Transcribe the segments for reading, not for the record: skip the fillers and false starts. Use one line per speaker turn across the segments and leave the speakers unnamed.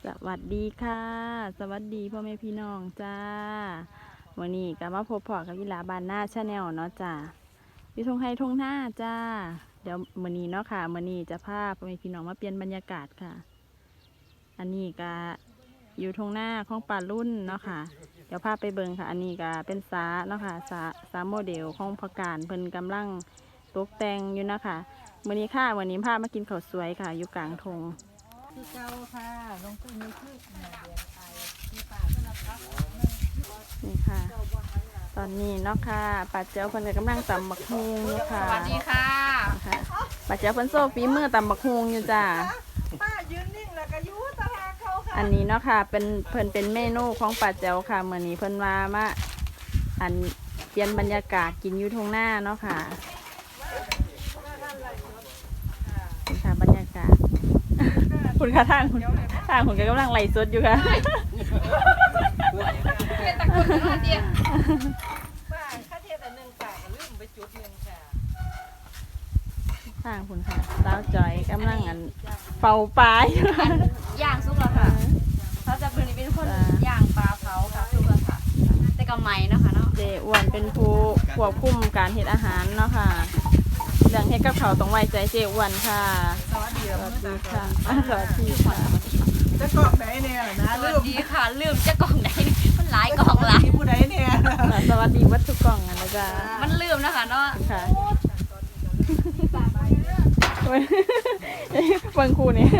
สวัสดีค่ะสวัสดีพ่อแม่พี่น้องจ้าวันนี้ก็มาพบพ่อกับวิลาบานหน้าชาแนลเนาะจ้าอยู่ทงไฮทงหน้าจ้าเดี๋ยวมื้อนี้เนาะค่ะมื้อนี้จะพาพ่อแม่พี่น้องมาเปลี่ยนบรรยากาศค่ะอันนี้ก็อยู่ทงหน้าของป่ารุ่นเนาะค่ะเดี๋ยวพาไปเบิ่งค่ะอันนี้ก็เป็นสาเนาะค่ะสาโมเดลของผักกาดเพิ่นกำลังตกแต่งอยู่เนาะค่ะมื้อนี้ค่ะวันนี้พามากินข้าวสวยค่ะอยู่กลางทง
คือเก่าค่ะลงทุนในพืชเดือนไปที่ป่าก็รับครับ
นี่ค่ะตอนนี้เนาะค่ะป้าเจ้าเพิ่นก็กำลังตำบักฮุงอยู่ค่ะ
สวัสดีค่ะ
ป้าเจ้าเพิ่นโซ่ฝีมือตำบักฮุงอยู่จ้า
ป้ายืนนิ่งแล้วก็ยูตาเขาค่ะ
อันนี้เนาะค่ะเป็นเพิ่นเป็นเมนูของป้าเจ้าค่ะมื้อนี้เพิ่นมาอันเปลี่ยนบรรยากาศกินอยู่ทุ่งหน้าเนาะค่ะนี่ค่ะบรรยากาศคุณค่ะทางคุณก็กำลังไล่สดอยู่ค่ะ
เป็นตะกุนกันเดียว
ป้าข้าเทียบแต่หนึ่งป่าก็ลืมไปจุดหนึ่งค่ะ
ทางคุณค่ะสาวจอยกำลังอันเป่าปลาอยู่ค่ะ
ย่างซุปแล้วค่ะเขาจะเป็นคนย่างปลาเผาค่ะซุปแล้วค่ะแต่ก็ไหมเนาะค่ะเนาะ
เจอ้วนเป็นผู้ควบคุมการเฮ็ดอาหารเนาะค่ะเรื่องเฮ็ดกับข้าวต้องไว้ใจเจอ้วนค่ะ
สวัสดี
ค่ะสวัสดีค่ะ
จะกล่องไหนเนี่ยนะ
สวัสดีค่ะลืมจะกล่องไหนมันหลายกล่องหลาย
ผู้ใดเนี่ย
สวัสดีวัตถุกล่องนะจ๊ะ
มันลืมนะคะเนาะ
ค่ะเบิ่งคู่นี่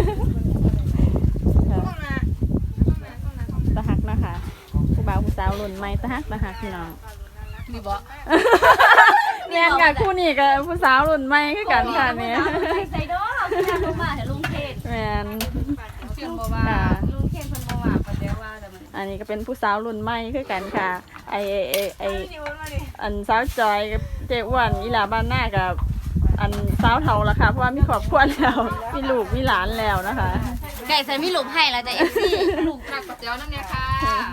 ตะหักนะคะผู้บ่าวผู้สาวรุ่นใหม่ตะหักพี่น้อง
มีบ่
เรียนกับคู่นี่กับผู้สาวรุ่นใหม่คือกันค่ะเนี่ย
ใส่ดอกพี่ลุงมาเห็นลุงเทศ
แม่น
เชื่อบ่ว่าลุงเทศเพิ่นบ่ว่าประเดี๋ยวว่าแต่มัน
อันนี้ก็เป็นผู้สาวรุ่นใหม่คือกันค่ะไออันสาวจอยกับเจ๊อ้วนอีหลาบ้านหน้ากับอันสาวเฒ่าละค่ะเพราะว่ามีครอบครัวแล้วมีลูกมีหลานแล้วนะคะ
ไก่ใส่มีลูกให้แล้วแต่ FC ลูกรักประเดี๋ยวนั่นเนี่ยค่ะ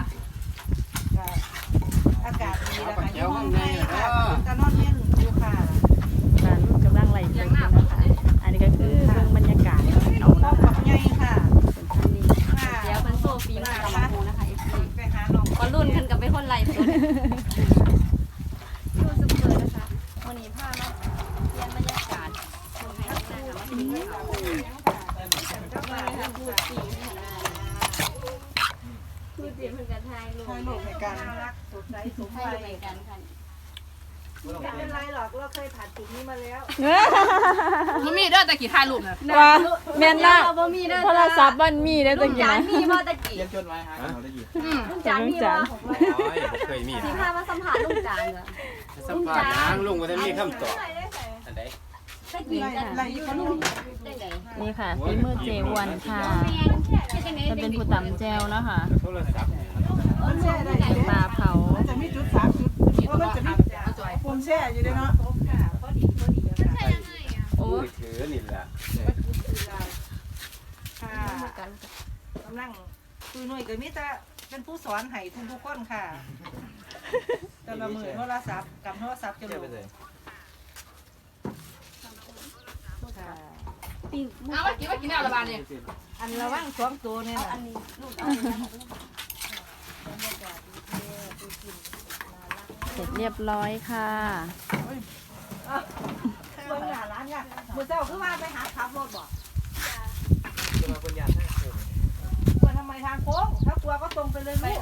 อากาศดีแล้วค่ะอยู่ห้องในค่ะจะนอนเล่นอยู่ค่ะ
ร้านกำลังไล่สดนะคะอันนี้ก็คือเรื่องบรรยากาศเอา
ขอบใหญ่ค่ะ
เป็นท่านนี้
เดี๋ยวเป็นโซฟีมากับมาโฮนะคะ FC
ไปหาน้อง
ก็รุ่นกันกับเป็นคนไล่สดดูสุดเลยนะคะวันนี้พามาเรียนบรรยากาศคนไทยนะคะมาถึงเลยค่ะพูดจีนเหมือนกันไทยลูก
ในการรักสดใสสมวัย
เหมือนกันค่ะ
ไม่เป็นไรหรอกเราเคยผ่านจุดนี้มาแล้ว
มันมีเด้อแต่กี่ถ่ายรูปนะ
ว่าแม่นนะโทรศัพท์มันมีได้ตะกี้นะ
มีบ่ตะกี้
เรียนจดไว้ฮะเราได้ยิน
ลุงจานมีบ่
เคยมี
สิพามาสัมภาษณ์ลุงจานเหรอ
สัมภาษณ์นางลุงก็จะมีคำตอบอันใด
ตะกี้อะไรอยู่ลุง
นี่ค่ะฝีมือเจวันค่ะจะเป็นผู้ตำแจวเนาะค่ะ
โทรศัพท์
ปลาเผา
จะมีจุด3จุดเพราะมันจะมีปุ่มแช่อยู่ด้วยเนาะ
โอ้ยถือนี่แหละ
กำลังคือหน่วยก็มีแต่เป็นผู้สอนให้ทุกคนค่ะแต่ละมือโทรศัพท์กับโทรศัพท์จะรู้
เอามากินเอาละบาทเนี่ย
อันระว่างสองตัวเนี่ย
อันนี้ลูก
เสร็จเรียบร้อยค่ะ
เบิ่งหน้าร้านเนี่ยมื้อเช้าคือว่าไปหาขับรถบ่
จะมาคนยานทางโค้ง
กลัวทำไมทางโค้งถ้ากลัวก็ตรงไปเลยลูก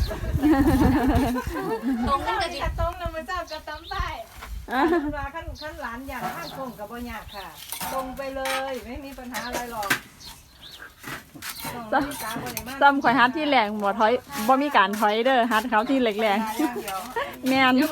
ตรงนั่นก็จะ
ตรงนะมื้อเช้าก็ตำได้เวลาขั้นหลานอย่างทางโค้งก็บ่ยากค่ะตรงไปเลยไม่มีปัญหาอะไรหรอก
ซ้ำข่อยฮัดที่แรงบ่ถอยบ่มีการถอยเด้อฮัดเขาที่แรงๆแม่น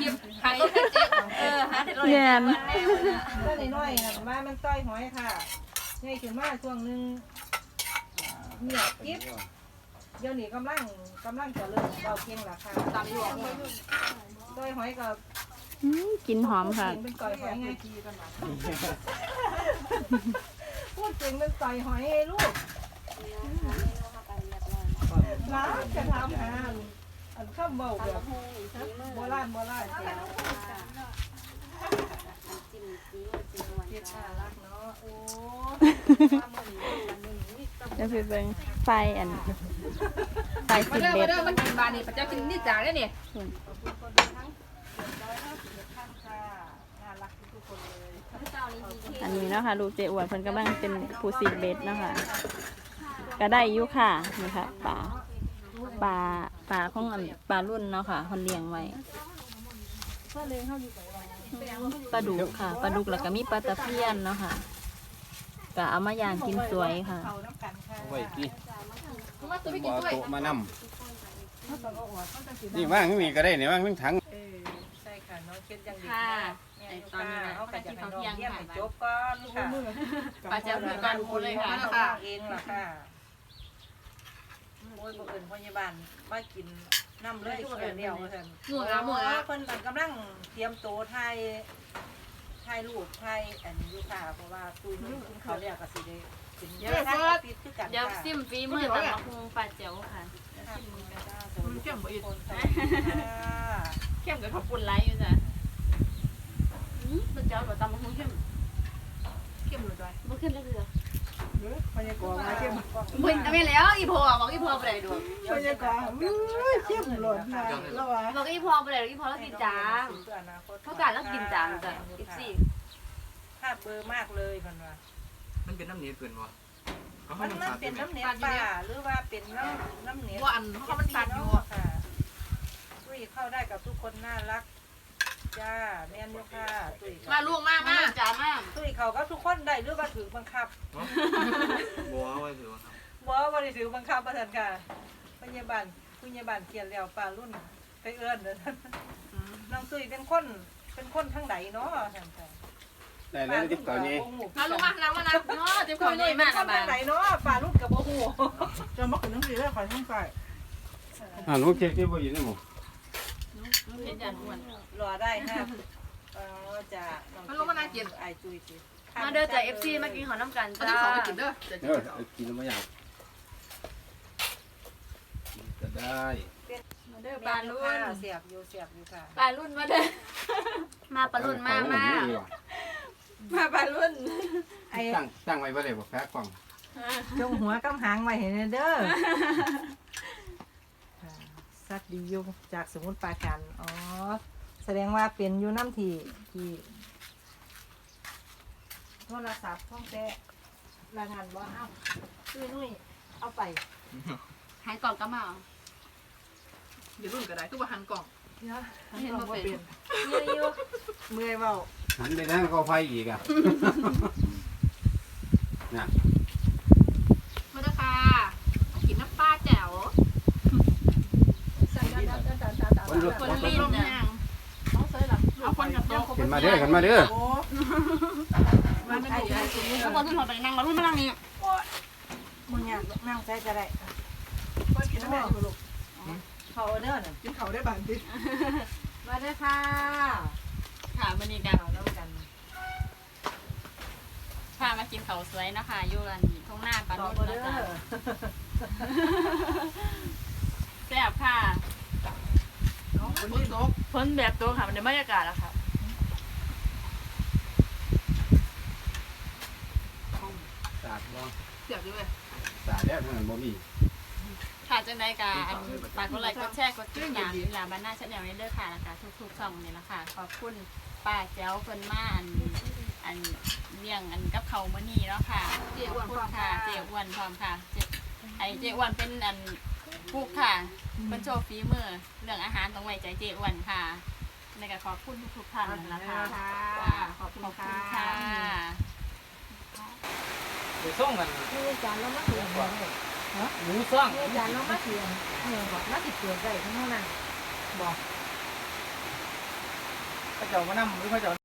แม่นก็น้อยๆนะว่ามันต้อยหอยค่ะใหญ่ขึ้นมาช่วงนึงเนี่ยกิ๊บเดี๋ยวนี้กำลังจะเริ่มเบาเพียงราคาตามอยู่ต้อยหอยกับ
กินหอมค่ะ
เป็นต้อยหอยไงพูดจริงเป็นต้อยหอยลูกร้านจะทำอันข้าวเบาแบบโบราณเฮ็ดน่ารักเนาะโอ้
จะไปเบิ่งไฟอันไฟ
มา
สิบ
เด้อ
เบ็
มา
ด
เด้อมากินบานี่พระเจ้ากินนี่จางได้เนี่ย
อันนี้เนาะค่ะลูกเจอ้วนเพิ่นกำลังเป็นผู้สิบเบ็ดเนาะค่ะก็ได้อยู่ค่ะนี่ค่ะปลาของอันปลารุ่นเนาะค่ะเพิ่นเลี้ยงไว้ปลาดุกค่ะปลาดุกแล้วก็มีปลาตะเพียนเนาะค่ะก็เอามาย่างกินสวยค่ะ
เขาน้ำกันค่ะ
ไว้ที่
มาตัวไม่กิ
บ่
น
เอา
ด้วย
โต๊ะมานำนี่ว่างมีก็ได้นี่ว่างมีถัง
ใช่ค่ะน้องเช็ดยังดี
ค่ะ
เนี่ย
ไอ้
ต
ต
อ
อน น
นี้
นี้
นะ
นะ
เขา
ไป
ก็
กิ
จะ
น
ให้
ข้าว
น้อง
เที่ยง
เยี่ยม
ค่ะ
ให้จบก่อนค่ะ
ปลาเจ้าคือการพูดเลยค่ะ
เองโอ้ยบ่เอิญพยาบาลมากินน้ำเลยเขียวเดียวเพิ่น
หมูละหมูละ
เพิ่นกำลังเตรียมโตถ่ายรูปถ่ายอันนี้อยู่ค่ะเพราะว่าตู้นี้กินข้าวแล้วก็สิได้กินเยอะค่ะปิดคือกัน
เดี๋ยว
ค่ะ
ซิมฝีมือตำบักหุ่งปลาเจ้าค่ะ
เข้มบ่อยู่
เข้มกับข้าวปุ่นไรอยู่จ้ะปลาเจ้าแบบตำบักหุ่งเข้ม
เข้มเลยด้วย
บ่ขึ้นเลยเหรอ
พยากรณ์มาเข้ม
บ่ทำไมแล้วอีพอบอกอีพอไปไหนดู
พยากรณ์เข้มหล่นค่ะแล้วว่า
บอกอีพอไปไหนอีพอแล้วกินจางเขาการแล้วกินจางจ้ะ14
ภาพเบอร์มากเลยเพิ่นว่า
มันเป็นน้ำเนียเกินวะเขา
มัน
น้ำสาด
เป็นน้ำเนียปลาหรือว่าเป็นน้ำเนีย
ว่าอันเขามันตัดอยู่
ค่ะตุ้ยเข้าได้กับทุกคนน่ารักจ้าแม่นอยู่ค่ะตุ้ย
มาลูกมา
มา
มา
จ้ามาก
ตุ้ยเขาก็ทุกคนได้หรือว่าถือบังคับ
บัวไว้ถือว่าครับ
บ่ได้ถือบังคับประทันค่ะพยาบาลเขียนแล้วปลารุ่นไปเอื้อนเด้อน้องตุ้ยเป็นคนทั้งใดเนาะท่านค่ะ
ได้แล้วที่เก่านี้
มาลูกมานั่งมานั่ง
เนาะเจ็บค
ตุ้
อย
ย
นี่
นี่
มา
เป็น
ก
ค
นะ
น
บ้า
ทั้งใดเนาะปลารุ่นกับบ่ฮู้
จะมาขึ้นหนังสือแล้วขอท่องไป
ลูกเค้กที่บ่อยู่ในหมู่
เห็นจานอ้วน
รอได้ค่ะจ้าไอตุ้ยสิ
มาเด้อจ้ะ FC มากินข้าวน้ำกัน
เขา
จ้า
จะขอไปกินเด้อ
กินแล้วบ่อยากกินก็ได้
เด้อปลารุ่น
เสียบอยู่ค่ะ
ปลารุ่นมาเด้อมาปลารุ่นมาปลารุ่น
ไอ้
ตั้งไว้บ่ได้บ่แพ้กล่อง
จงหัวกำหางไว้เห็นเด้อสัตว์ดีอยู่จากสมุทรปราการอ๋อแสดงว่าเป็นอยู่น้ำที่โทรศัพท์ท่องแต่รายงานว่าเอ้านุ่ยเอาไป
หายกล่องก็มา
อย่ารุ่นก็ได้ทุกวันหันกล่อง
เนาะ
เห็นบ่เป็น
เมื่อยอยู่เมื่อยเบา
หันไปทางเขาไฟอีกอ่ะน่ะ
มาเด้อค่ะกินน้ำปลาแจ๋ว
คนลุก
คนลิ้นน่ะ
เอาคนกับโต๊ะ
ขึ้นมาเด้อขึ้นมาเด้อ
โอ้มาไม่ถูก
แล้วคนขึ้นหัวไปนั่งมารุ่นมานั่งนี่
มึงอยากนั่งใส่ก็ได้
ก็กินน้ำแม่อยู่ลูก
เขาเด้อน่ะ
กินเขาได้บางที
มาเด้อค่ะ
ค่ะมื้อนี้กัน
แล้วกัน
พามากินข้าวสวยเนาะค่ะอยู่ร้านทุ่งนาปลา
ต่อ
รุ่น
เด้
เนาะ
อ
จ้ะแซ่บค่ะ
คนโต๊ะ
พ้นแบบตัวค่ะมันในบรรยากาศอะค่ะ
สาดบ่
เสียบด้วย
สาดแล้วมันบ่มี
ค่ะจังไดกาอันฝากกดไลค์กดแชร์กดติดตามลาบ้านหน้าชาแนลนี้เด้อค่ะนะคะทุกๆช่องนี่ละค่ะขอบคุณป้าแจ๋วเพิ่นมาอันเลี้ยงอันกับเขาวมื้อนี้เนาะค่ะขอบคุณค่ะเจ๊อ้วนพร้อมค่ะเจ๊อ้วนเป็นอันกุ๊กค่ะเพิ่นโชว์ฝีมือเรื่องอาหารต้องไว้ใจเจ๊อ้วนค่ะในก็ขอบคุณทุกๆท่านนะคะขอบคุณค่ะ
ไปส่งกัน
นี่จานแล้วมาเขียนฮะ
หมูซ่อง
นี่จานแล้วมาเขียนบอกน่าติดเกิดได้ทั้งนั้นบอก
พระเจ้ามานำหรือพระเจ้า